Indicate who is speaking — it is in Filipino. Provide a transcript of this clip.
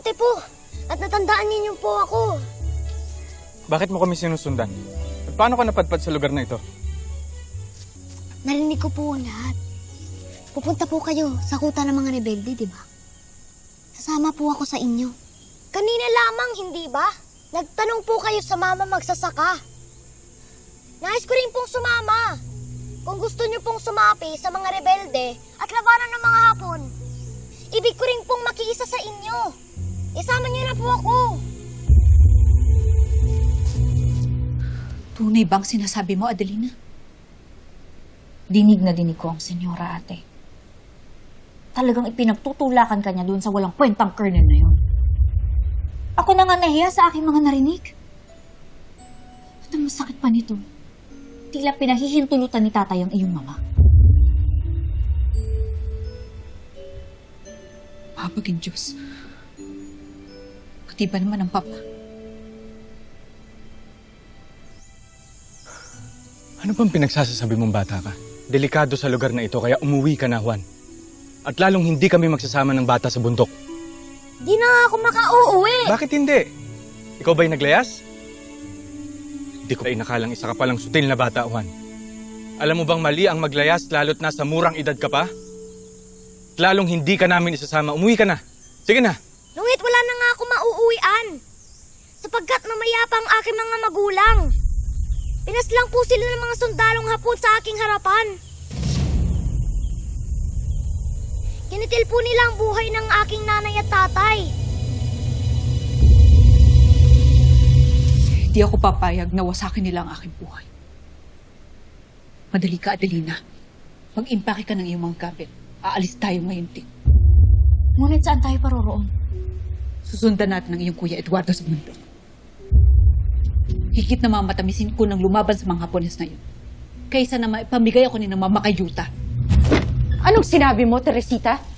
Speaker 1: mabuti po. At natandaan ninyo po ako.
Speaker 2: Bakit mo kami sinusundan? At paano ka napadpad sa lugar na ito?
Speaker 1: Narinig ko po ang lahat. Pupunta po kayo sa kuta ng mga rebelde, di ba? Sasama po ako sa inyo. Kanina lamang, hindi ba? Nagtanong po kayo sa mama magsasaka. Nais ko rin pong sumama. Kung gusto niyo pong sumapi sa mga rebelde at labanan ng mga hapon, ibig ko rin pong makiisa sa inyo. Isama niyo na po ako.
Speaker 3: Tunay bang sinasabi mo, Adelina? Dinig na dinig ko ang senyora, ate. Talagang ipinagtutulakan ka niya doon sa walang kwentang colonel na yun. Ako na nga nahiya sa aking mga narinig. At ang masakit pa nito, tila pinahihintulutan ni tatay ang iyong mama. Mabaging Diyos. Pati ba naman ang papa?
Speaker 2: Ano bang pinagsasabi mong bata ka? Delikado sa lugar na ito kaya umuwi ka na, Juan. At lalong hindi kami magsasama ng bata sa bundok.
Speaker 1: Di na nga ako makauuwi.
Speaker 2: Bakit hindi? Ikaw ba'y naglayas? Hindi ko ay nakalang isa ka palang sutil na bata, Juan. Alam mo bang mali ang maglayas lalo't nasa murang edad ka pa? At lalong hindi ka namin isasama. Umuwi ka na. Sige na.
Speaker 1: Ngunit wala na nga ako mauuwian. Sapagkat mamaya pa ang aking mga magulang. Pinaslang po sila ng mga sundalong Hapon sa aking harapan. Kinitil po nila ang buhay ng aking nanay at tatay.
Speaker 3: Di ako papayag na wasakin nila ang aking buhay. Madali ka, Adelina. Mag-impake ka ng iyong mga gamit. Aalis tayo ngayon, Ting. Ngunit saan tayo paroroon? Susundan natin ang iyong kuya Eduardo sa bundok. Higit na mamatamisin ko ng lumaban sa mga Hapones na yun. Kaysa na maipamigay ako ni ng mama kay Yuta.
Speaker 4: Anong sinabi mo, Teresita?